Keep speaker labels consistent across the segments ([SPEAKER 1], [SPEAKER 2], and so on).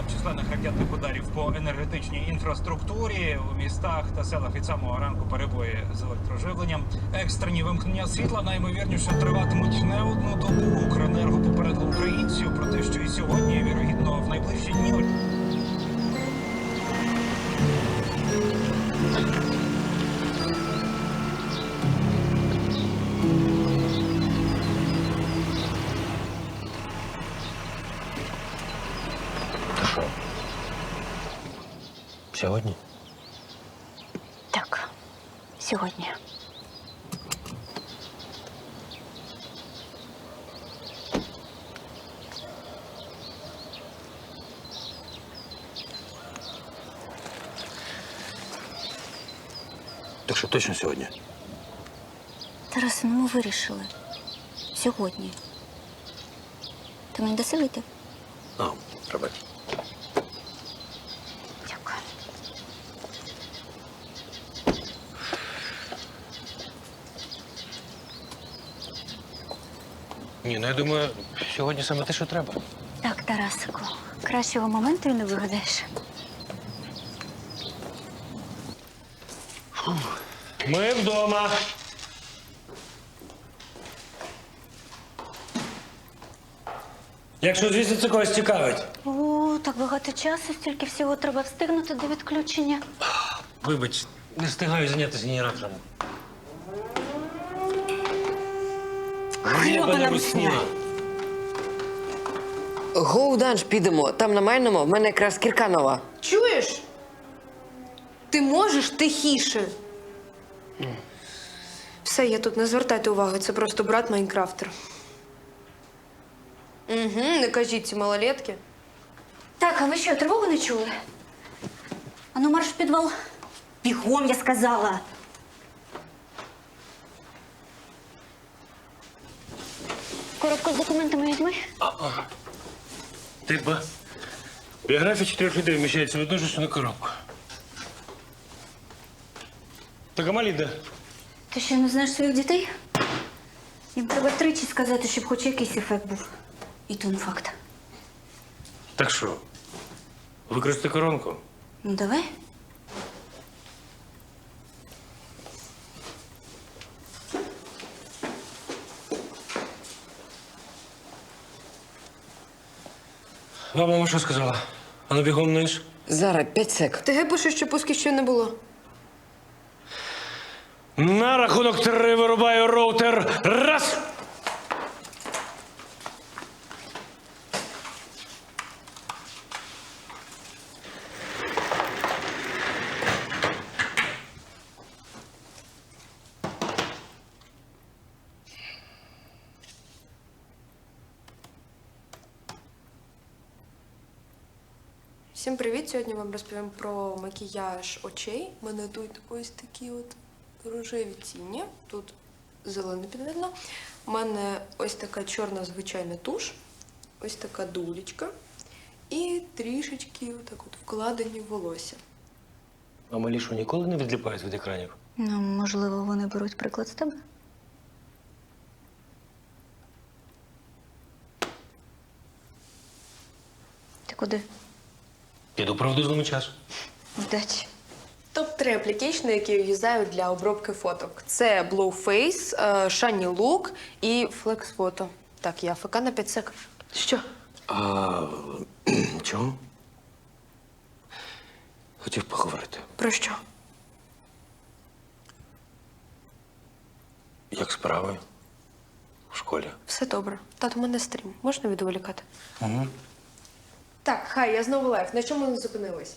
[SPEAKER 1] зазнавав численних ракетних ударів по енергетичній інфраструктурі. У містах та селах від самого ранку перебої з електроживленням. Екстрені вимкнення світла наймовірніше триватимуть не одну добу. Укренерго попередило українців про те, що і сьогодні, і, вірогідно, в найближчі дні.
[SPEAKER 2] Сьогодні?
[SPEAKER 3] Так, сьогодні.
[SPEAKER 2] Так що точно сьогодні?
[SPEAKER 3] Тарасе, ну ми вирішили. Сьогодні. Ти мені даси вийти?
[SPEAKER 2] А, пробач.
[SPEAKER 3] Дякую.
[SPEAKER 2] Ні, ну я думаю, сьогодні саме те, що треба.
[SPEAKER 3] Так, Тарасику, кращого моменту і не вигадаєш.
[SPEAKER 2] Ми вдома. Якщо, звісно, це когось цікавить.
[SPEAKER 3] О, так багато часу, стільки всього треба встигнути до відключення.
[SPEAKER 2] Вибач, не встигаю зайнятися генератором.
[SPEAKER 3] Гребана русня.
[SPEAKER 4] Гоу данж підемо. Там на майному в мене якраз кірка нова.
[SPEAKER 5] Чуєш? Ти можеш тихіше. Все, я тут не звертайте уваги, це просто брат Майнкрафтер. Угу, не кажіть ці малолетки.
[SPEAKER 3] Так, а ви що, тривогу не чули? Ану, марш в підвал. Бігом, я сказала. Коробку з документами візьми.
[SPEAKER 2] Типа, біографія 4 людей вміщається в одну ж на коробку. Так, а малі де?
[SPEAKER 3] Ти що, не знаєш своїх дітей? Їм треба тричі сказати, щоб хоч якийсь ефект був. І то не факт.
[SPEAKER 2] Так що, використати коронку?
[SPEAKER 3] Ну, давай.
[SPEAKER 2] Вам мама що сказала? А ну бігом вниз.
[SPEAKER 4] Зараз 5 сек.
[SPEAKER 5] ТГ пише, що пуски ще не було.
[SPEAKER 2] На рахунок 3 вирубаю роутер. Раз!
[SPEAKER 5] Всім привіт! Сьогодні вам розповім про макіяж очей. У мене тут ось такі от рожеві тіні. Тут зелене підведено. У мене ось така чорна звичайна туш, ось така дулечка і трішечки отак от вкладені в волосся.
[SPEAKER 2] А малі що, ніколи не відліпають від екранів?
[SPEAKER 3] Ну, можливо, вони беруть приклад з тебе. Ти куди?
[SPEAKER 2] Піду правду злому часу.
[SPEAKER 3] Вдачі.
[SPEAKER 5] Топ-3 аплікейшни, які я юзаю для обробки фоток. Це Blueface, Shiny Look і Flex Photo. Так, я ФК на 5 сек. Що?
[SPEAKER 2] А чого? Хотів поговорити.
[SPEAKER 5] Про що?
[SPEAKER 2] Як справи? В школі?
[SPEAKER 5] Все добре. Тато, у мене стрім. Можна відволікати?
[SPEAKER 2] Угу.
[SPEAKER 5] Так, хай, я знову лайф. На чому ми зупинились?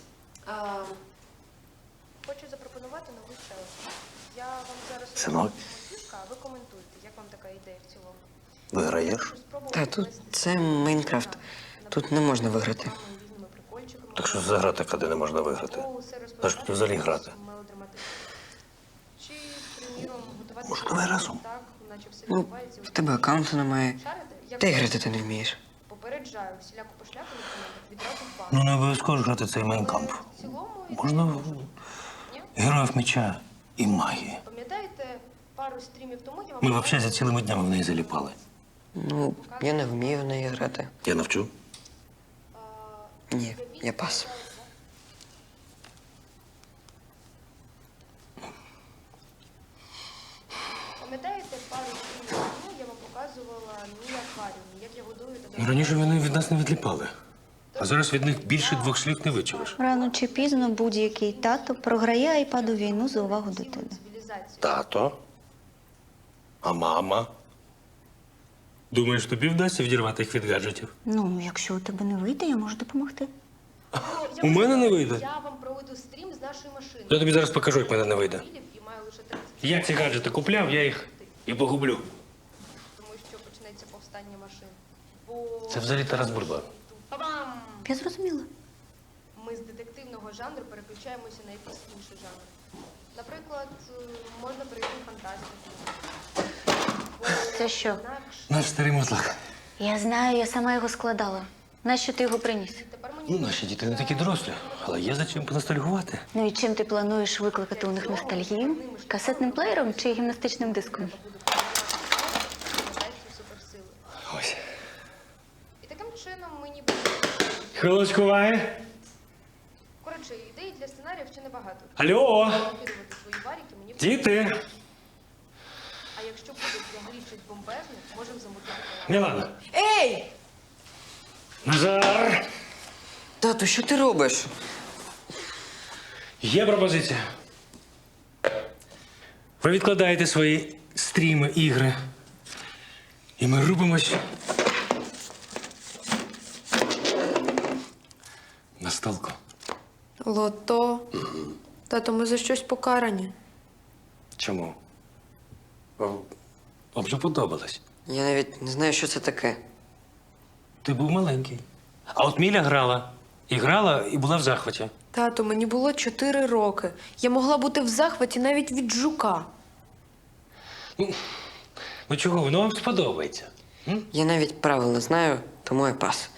[SPEAKER 5] Хочу запропонувати новий челендж. Я вам зараз
[SPEAKER 2] Синок?
[SPEAKER 5] фішка, а ви коментуйте, як вам така ідея в цілому.
[SPEAKER 2] Виграєш?
[SPEAKER 4] Та тут це Майнкрафт. Тут не можна виграти.
[SPEAKER 5] Різними прикольчиками.
[SPEAKER 2] Так що за гра така, де не можна виграти? А що тут взагалі грати?
[SPEAKER 5] Чи, приміром, готувати
[SPEAKER 2] Може, давай разом?
[SPEAKER 5] так, наче все
[SPEAKER 4] Ну,
[SPEAKER 5] відбувається.
[SPEAKER 4] в тебе аккаунту немає.
[SPEAKER 5] Шарите? Як
[SPEAKER 4] Та й грати ти не вмієш.
[SPEAKER 5] попереджаю, всіляку пошляку в коментах відразу в бан.
[SPEAKER 2] Ну, не обов'язково ж грати цей майнкамп.
[SPEAKER 5] В цілому,
[SPEAKER 2] Можна героїв меча і магії.
[SPEAKER 5] пам'ятаєте, пару стрімів тому я вам...
[SPEAKER 2] Ми взагалі за цілими днями в неї заліпали.
[SPEAKER 4] Ну, я не вмію в неї грати.
[SPEAKER 2] Я навчу.
[SPEAKER 4] Ні. Я пас.
[SPEAKER 5] Пам'ятаєте, пару днів тому я вам показувала мій акваріум, як я годую та
[SPEAKER 2] Ну, раніше вони від нас не відліпали. А зараз від них більше 2 слів не вичуєш.
[SPEAKER 3] Рано чи пізно будь-який тато програє айпаду війну за увагу дитини.
[SPEAKER 5] цивілізацію.
[SPEAKER 2] Тато? А мама? Думаєш, тобі вдасться відірвати їх від гаджетів?
[SPEAKER 3] Ну, якщо у тебе не вийде, я можу допомогти.
[SPEAKER 2] У мене не вийде.
[SPEAKER 5] Я вам проведу стрім з нашої машини.
[SPEAKER 2] Я тобі зараз покажу, як в мене не вийде.
[SPEAKER 5] І маю лише 30,
[SPEAKER 2] Я ці гаджети купляв, я їх і погублю.
[SPEAKER 5] тому що почнеться повстання машин. Бо...
[SPEAKER 2] Це взагалі Тарас Бульба.
[SPEAKER 5] Па-бам!
[SPEAKER 3] Я зрозуміла.
[SPEAKER 5] Ми з детективного жанру переключаємося на якийсь інший жанр. Наприклад, можна перейти в фантастику.
[SPEAKER 3] Це що?
[SPEAKER 5] Інакше
[SPEAKER 2] Наш старий мотлак.
[SPEAKER 3] Я знаю, я сама його складала. Нащо ти його приніс?
[SPEAKER 5] тепер мені
[SPEAKER 2] Ну, наші діти не такі дорослі, але є за чим поностальгувати.
[SPEAKER 3] Ну і чим ти плануєш викликати у них ностальгію? Касетним плеєром чи гімнастичним диском?
[SPEAKER 5] надається суперсили.
[SPEAKER 2] Ось.
[SPEAKER 5] І таким чином ми ніби...
[SPEAKER 2] Хвилочку, Ваня.
[SPEAKER 5] Коротше, ідей для сценаріїв ще небагато.
[SPEAKER 2] Алло,
[SPEAKER 5] Керувати свої варіки мені...
[SPEAKER 2] діти.
[SPEAKER 5] А якщо буде взагалі щось бомбезне, можемо замутити.
[SPEAKER 2] Мілана.
[SPEAKER 5] Ей!
[SPEAKER 2] Назар.
[SPEAKER 4] Тату, що ти робиш?
[SPEAKER 2] Є пропозиція. Ви відкладаєте свої стріми, ігри. І ми рубимось на столку.
[SPEAKER 5] Лото. Тато, ми за щось покарані.
[SPEAKER 2] Чому? Вам вже подобалось.
[SPEAKER 4] Я навіть не знаю, що це таке.
[SPEAKER 2] Ти був маленький. А от Міля грала. І грала, і була в захваті.
[SPEAKER 5] Тато, мені було 4 роки. Я могла бути в захваті навіть від жука.
[SPEAKER 2] Ну чого, воно вам сподобається?
[SPEAKER 4] Я навіть правил не знаю, тому я пас.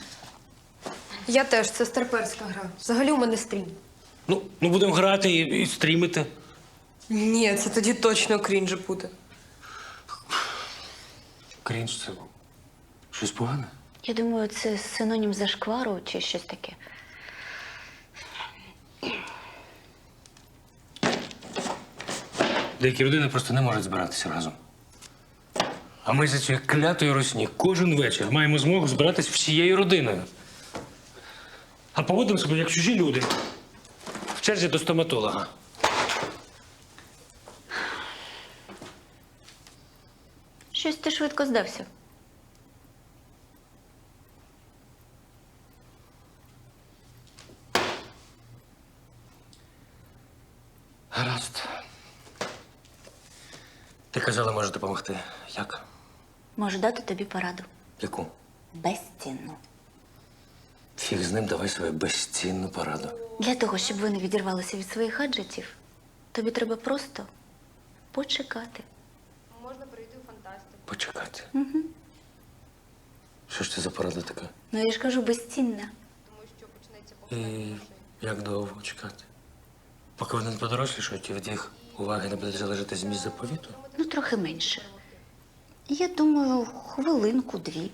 [SPEAKER 5] Я теж, це старперська гра. Взагалі у мене стрім.
[SPEAKER 2] Ну будемо грати і стрімити.
[SPEAKER 5] Ні, це тоді точно крінж буде.
[SPEAKER 2] Крінж це щось погане?
[SPEAKER 3] Я думаю, це синонім зашквару чи щось таке.
[SPEAKER 2] Деякі родини просто не можуть збиратися разом. А ми за цією клятою русні кожен вечір маємо змогу збиратись всією родиною. А поводимо себе як чужі люди. В черзі до стоматолога.
[SPEAKER 3] Щось ти швидко здався.
[SPEAKER 2] Гаразд. Ти казала, може допомогти. Як?
[SPEAKER 3] Можу дати тобі пораду.
[SPEAKER 2] Яку?
[SPEAKER 3] Безцінну.
[SPEAKER 2] Фіг з ним, давай свою безцінну пораду.
[SPEAKER 3] Для того, щоб ви не відірвалися від своїх гаджетів, тобі треба просто почекати.
[SPEAKER 5] Можна перейти в фантастику.
[SPEAKER 2] Почекати. Що ж це за порада така?
[SPEAKER 3] Ну, я ж кажу, безцінна.
[SPEAKER 5] Тому що почнеться
[SPEAKER 2] І
[SPEAKER 5] повстання машин.
[SPEAKER 2] як довго чекати? Поки вони не подорослішають і від їх уваги не буде залежати зміст заповіту?
[SPEAKER 3] Ну, трохи менше. Я думаю, хвилинку-дві.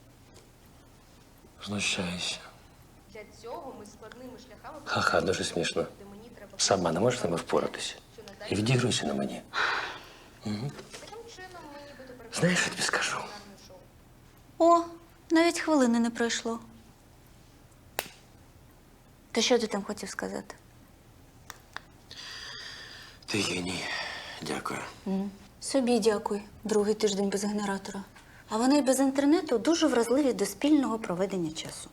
[SPEAKER 2] Знущаюся.
[SPEAKER 5] Для цього ми складними шляхами...
[SPEAKER 2] Ха-ха, дуже смішно.
[SPEAKER 5] де мені треба...
[SPEAKER 2] Сама не можеш з ними впоратися. І відігруйся на мені.
[SPEAKER 5] Таким чином ми нібито
[SPEAKER 2] Знаєш, що тобі скажу?
[SPEAKER 5] переконане шоу.
[SPEAKER 3] О, навіть хвилини не пройшло. То що ти там хотів сказати?
[SPEAKER 2] Ти геній. Дякую.
[SPEAKER 3] Собі дякуй. Другий тиждень без генератора. А вони й без інтернету дуже вразливі до спільного проведення часу.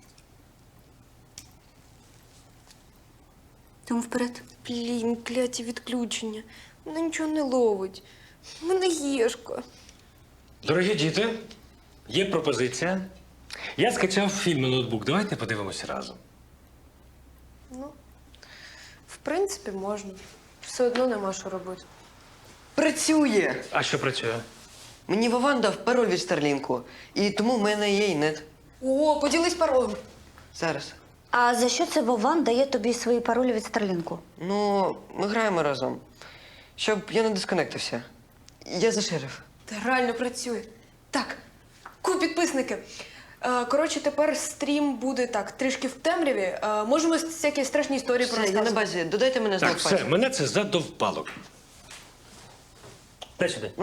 [SPEAKER 3] Тому вперед.
[SPEAKER 5] Блін, кляті відключення. Вона нічого не ловить. У мене гішка.
[SPEAKER 2] Дорогі діти, є пропозиція. Я скачав фільм на ноутбук. Давайте подивимося разом.
[SPEAKER 5] Ну, в принципі, можна. Все одно нема що робити.
[SPEAKER 4] Працює!
[SPEAKER 2] А що працює?
[SPEAKER 4] Мені Вован дав пароль від Старлінку, і тому в мене є інет.
[SPEAKER 5] О, поділись паролем.
[SPEAKER 4] Зараз.
[SPEAKER 3] А за що це Вован дає тобі свої паролі від Старлінку?
[SPEAKER 4] Ну, ми граємо разом. Щоб я не дисконектився. Я за шериф.
[SPEAKER 5] Та реально працює. Так, підписники. Коротше, тепер стрім буде так, трішки в темряві. Можемо всякі страшні історії
[SPEAKER 4] Все, я на
[SPEAKER 5] порозказувати.
[SPEAKER 4] базі. Додайте мене
[SPEAKER 2] Так,
[SPEAKER 4] знов
[SPEAKER 2] все, мене це задовпало. Дай сюди.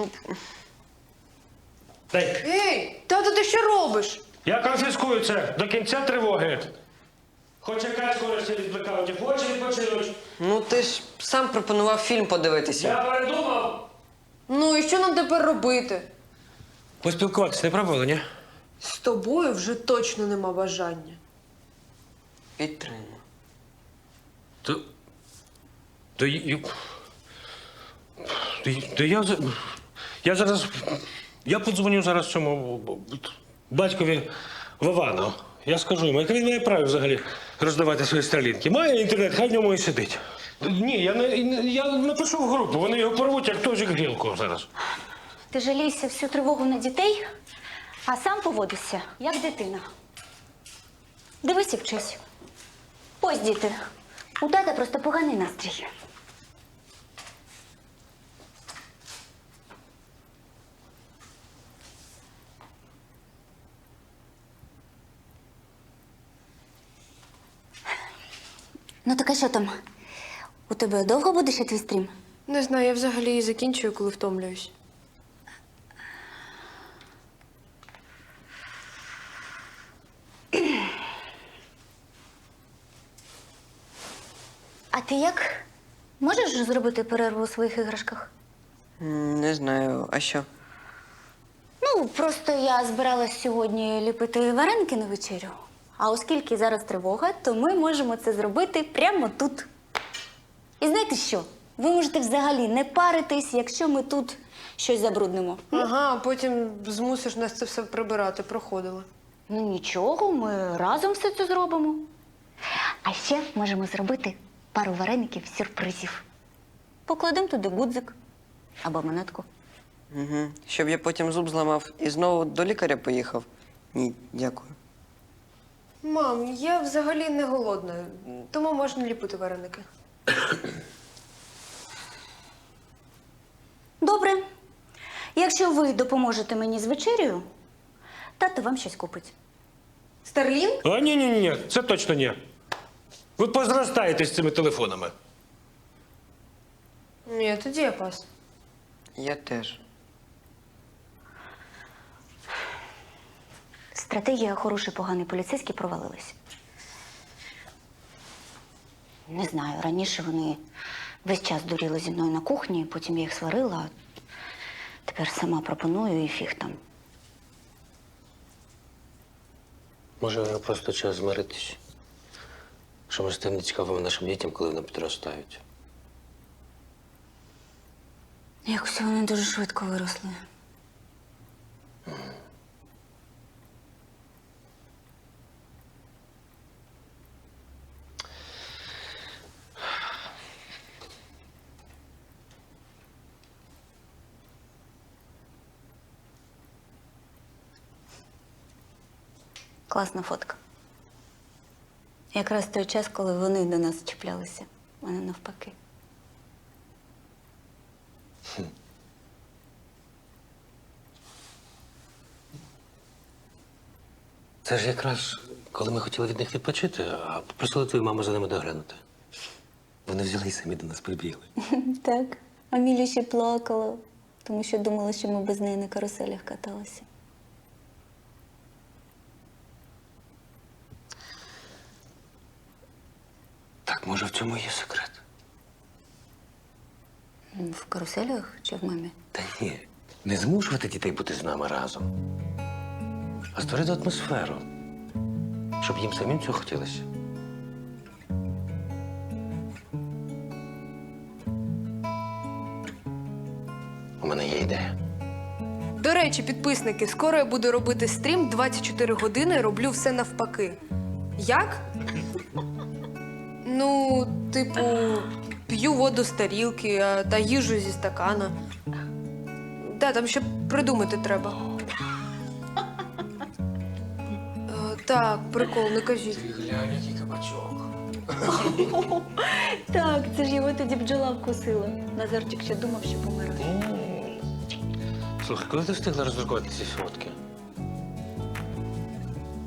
[SPEAKER 2] Дай.
[SPEAKER 5] Ей, тато, ти що робиш?
[SPEAKER 2] Я конфіскую це до кінця тривоги. Хоч якась користь від блекаутів, хоче відпочинуть.
[SPEAKER 4] Ну ти ж сам пропонував фільм подивитися.
[SPEAKER 2] Я передумав.
[SPEAKER 5] Ну і що нам тепер робити?
[SPEAKER 2] Поспілкуватися не пробували, ні?
[SPEAKER 5] З тобою вже точно нема бажання.
[SPEAKER 4] Підтримую.
[SPEAKER 2] То... То, я... Я зараз... Я подзвоню зараз цьому батькові Вовану. Я скажу йому, яке він має право взагалі роздавати свої стрілінки. Має інтернет, хай в ньому і сидить. Ні, я напишу в групу, вони його порвуть, як тожик грілку зараз.
[SPEAKER 3] Ти жалійся всю тривогу на дітей, а сам поводишся, як дитина. Дивись і вчись. Ось, діти, у тата просто поганий настрій. Ну так а що там? У тебе довго буде ще твій стрім?
[SPEAKER 5] Не знаю, я взагалі і закінчую, коли втомлююсь.
[SPEAKER 3] А ти як? Можеш зробити перерву у своїх іграшках?
[SPEAKER 4] Не знаю, а що?
[SPEAKER 3] Ну, просто я збиралась сьогодні ліпити вареники на вечерю. А оскільки зараз тривога, то ми можемо це зробити прямо тут. І знаєте що? Ви можете взагалі не паритись, якщо ми тут щось забруднимо.
[SPEAKER 5] Ага, а потім змусиш нас це все прибирати, проходила.
[SPEAKER 3] Ну нічого, ми разом все це зробимо. А ще можемо зробити пару вареників сюрпризів. Покладемо туди гудзик або монетку.
[SPEAKER 4] Угу. Щоб я потім зуб зламав і знову до лікаря поїхав? Ні, дякую.
[SPEAKER 5] Мам, я взагалі не голодна, тому можна ліпити вареники.
[SPEAKER 3] Добре. Якщо ви допоможете мені з вечерею, тато вам щось купить.
[SPEAKER 5] Старлінг?
[SPEAKER 2] А ні, це точно ні. Ви позростаєте з цими телефонами.
[SPEAKER 5] Ні, тоді я пас.
[SPEAKER 4] Я теж.
[SPEAKER 3] Стратегія хороший, поганий поліцейський провалилась. Не знаю, раніше вони весь час дуріли зі мною на кухні, потім я їх сварила, а тепер сама пропоную і фіг там.
[SPEAKER 2] Може, просто час змиритись? Що ми стане цікавими нашим дітям, коли вони підростають.
[SPEAKER 3] Якось вони дуже швидко виросли. Класна фотка. Якраз той час, коли вони до нас чіплялися, а не навпаки.
[SPEAKER 2] Це ж якраз, коли ми хотіли від них відпочити, а попросили твою маму за ними доглянути. Вони взяли і самі до нас прибігли.
[SPEAKER 3] Так. Амілія ще плакала, тому що думала, що ми без неї на каруселях каталися.
[SPEAKER 2] Так, може, в цьому і є секрет?
[SPEAKER 3] В каруселях чи в мамі?
[SPEAKER 2] Та ні, не змушувати дітей бути з нами разом, а створити атмосферу, щоб їм самим цього хотілося. У мене є ідея.
[SPEAKER 5] До речі, підписники, скоро я буду робити стрім 24 години, роблю все навпаки. Як? Ну, типу, п'ю воду з тарілки та їжу зі стакана. Да, там ще придумати треба. Так, прикол, не кажіть.
[SPEAKER 2] Глянь, який кабачок.
[SPEAKER 3] Так, це ж його тоді бджола вкусила. Назарчик ще думав, що помирає.
[SPEAKER 2] Слухай, коли ти встигла роздрукувати ці фотки?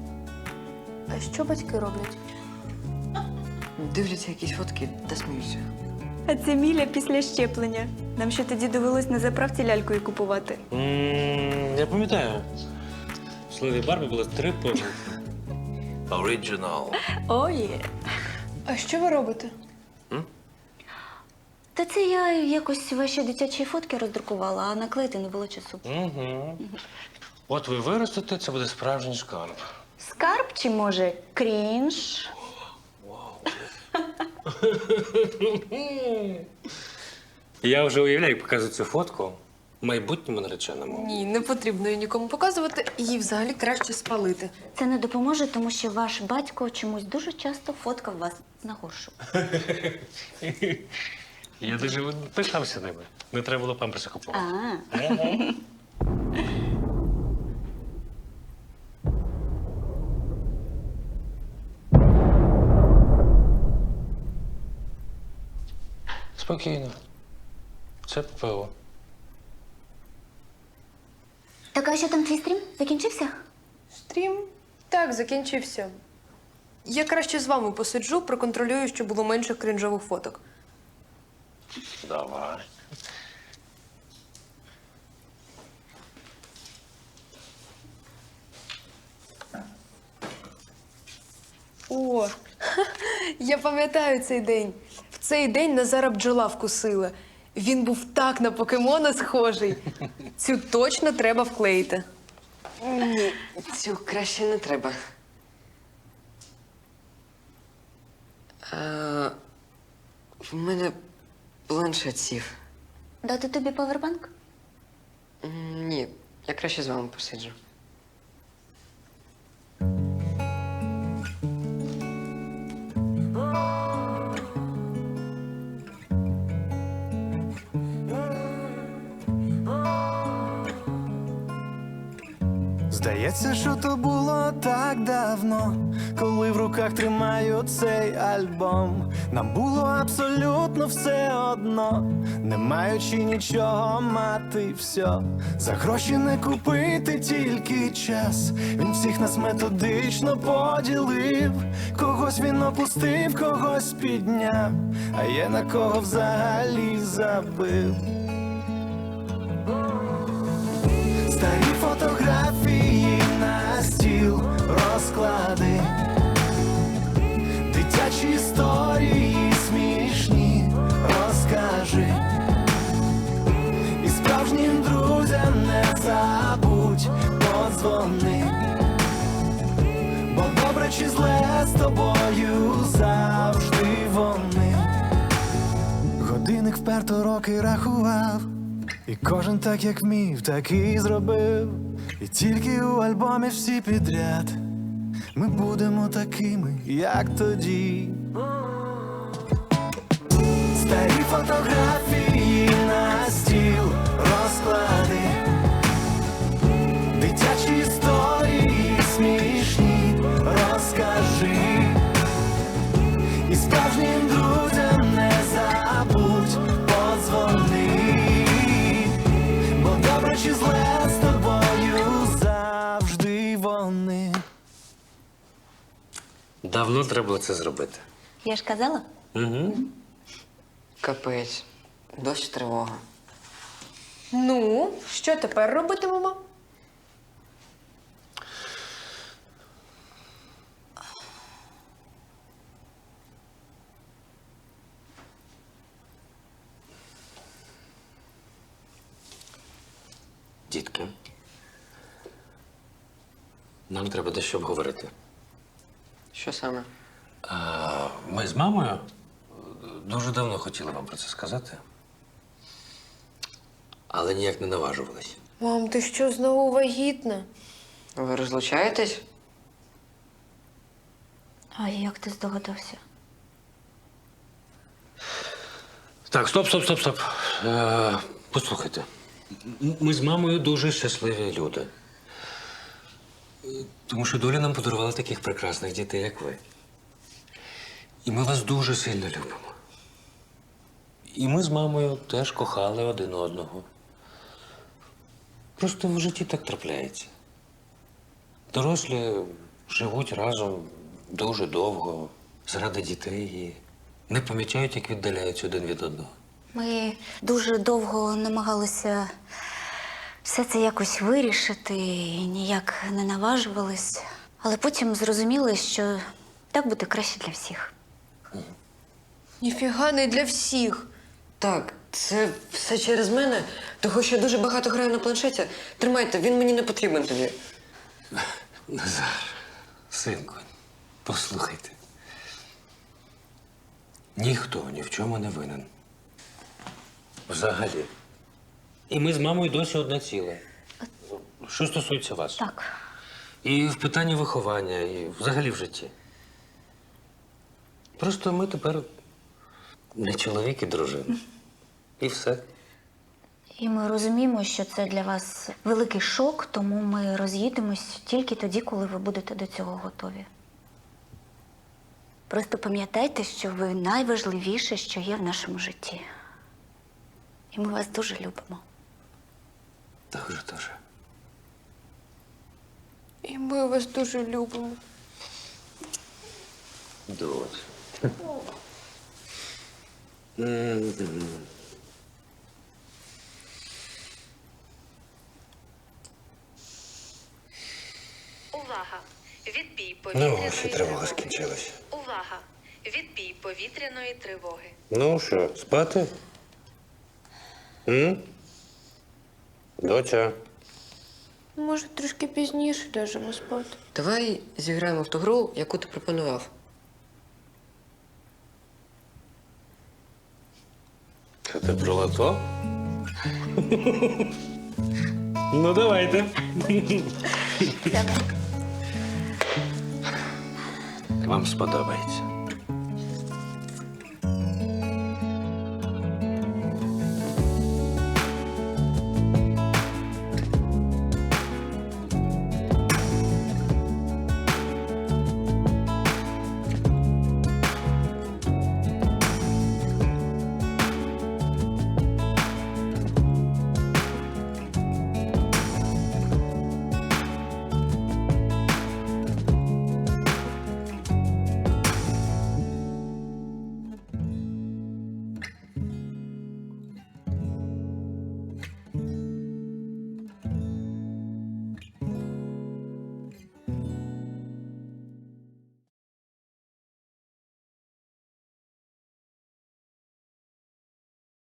[SPEAKER 5] А що батьки роблять?
[SPEAKER 4] Дивляться якісь фотки та сміються.
[SPEAKER 3] А це Міля після щеплення. Нам ще тоді довелось на заправці лялькою купувати.
[SPEAKER 2] Я пам'ятаю. В слові Барбі було 3 помилки.
[SPEAKER 6] Original.
[SPEAKER 3] О, є.
[SPEAKER 5] А що ви робите?
[SPEAKER 3] Та це я якось ваші дитячі фотки роздрукувала, а наклеїти не було часу.
[SPEAKER 2] Угу. От ви виростете, це буде справжній шкарб.
[SPEAKER 3] Скарб чи, може, крінж?
[SPEAKER 2] Я вже уявляю, як показую цю фотку майбутньому нареченому.
[SPEAKER 5] Ні, не потрібно її нікому показувати. Її взагалі краще спалити.
[SPEAKER 3] Це не допоможе, тому що ваш батько чомусь дуже часто фоткав вас на горшу.
[SPEAKER 2] Я дуже пишався ними. Не треба було памперси купувати. Спокійно. Це ППО.
[SPEAKER 3] Так, а що там твій стрім? Закінчився?
[SPEAKER 5] Стрім? Так, закінчився. Я краще з вами посиджу, проконтролюю, щоб було менше крінжових фоток.
[SPEAKER 2] Давай.
[SPEAKER 5] О, я пам'ятаю цей день. В цей день Назара бджола вкусила. Він був так на покемона схожий. Цю точно треба вклеїти.
[SPEAKER 4] Ні, цю краще не треба. В мене планшет сів.
[SPEAKER 3] Дати тобі павербанк?
[SPEAKER 4] Ні, я краще з вами посиджу.
[SPEAKER 7] Здається, що то було так давно, коли в руках тримаю цей альбом. Нам було абсолютно все одно, не маючи нічого мати все. За гроші не купити тільки час. Він всіх нас методично поділив. Когось він опустив, когось підняв, а є на кого взагалі забив. Старі фотографії на стіл розклади, дитячі історії смішні розкажи, і справжнім друзям не забудь подзвони, бо добре чи зле з тобою завжди вони. Годинник вперто роки рахував, і кожен так, як вмів, так і зробив. І тільки у альбомі всі підряд ми будемо такими, як тоді. Старі фотографії на стіл розклади, дитячі історії смішні розкажи, і справжнім друзям не забудь подзвони. Чи зле з тобою завжди вони.
[SPEAKER 2] Давно треба було це зробити.
[SPEAKER 3] Я ж казала.
[SPEAKER 2] Угу.
[SPEAKER 4] Капець, дощ тривога.
[SPEAKER 5] Ну, що тепер робитимемо?
[SPEAKER 2] Дітки, нам треба дещо обговорити.
[SPEAKER 4] Що саме?
[SPEAKER 2] Ми з мамою дуже давно хотіли вам про це сказати, але ніяк не наважувались.
[SPEAKER 5] Мам, ти що, знову вагітна?
[SPEAKER 4] Ви розлучаєтесь?
[SPEAKER 3] А як ти здогадався?
[SPEAKER 2] Так, стоп. Послухайте. Ми з мамою дуже щасливі люди. Тому що доля нам подарувала таких прекрасних дітей, як ви. І ми вас дуже сильно любимо. І ми з мамою теж кохали один одного. Просто в житті так трапляється. Дорослі живуть разом дуже довго, заради дітей і не помічають, як віддаляються один від одного.
[SPEAKER 3] Ми дуже довго намагалися все це якось вирішити і ніяк не наважувались. Але потім зрозуміли, що так буде краще для всіх.
[SPEAKER 5] Ніфіга не для всіх.
[SPEAKER 4] Так, це все через мене, того що я дуже багато граю на планшеті. Тримайте, він мені не потрібен тоді.
[SPEAKER 2] Назар, синку, послухайте. Ніхто ні в чому не винен. Взагалі. І ми з мамою досі одне ціле. Що стосується вас?
[SPEAKER 3] Так.
[SPEAKER 2] І в питанні виховання, і взагалі в житті. Просто ми тепер не чоловік і дружина. І все.
[SPEAKER 3] І ми розуміємо, що це для вас великий шок, тому ми роз'їдемось тільки тоді, коли ви будете до цього готові. Просто пам'ятайте, що ви найважливіше, що є в нашому житті. І ми вас дуже любимо.
[SPEAKER 2] Дуже.
[SPEAKER 5] І ми вас дуже любимо.
[SPEAKER 2] Дуже.
[SPEAKER 6] Увага! Відбій
[SPEAKER 2] Ну,
[SPEAKER 6] повітряної
[SPEAKER 2] ось і тривога скінчилась.
[SPEAKER 6] Увага! Відбій повітряної тривоги.
[SPEAKER 2] Ну що, спати? Доця.
[SPEAKER 5] Може, трошки пізніше ляжемо спати.
[SPEAKER 4] Давай зіграємо в ту гру, яку ти пропонував.
[SPEAKER 2] Це ти про лото? Ну, давайте. Вам сподобається.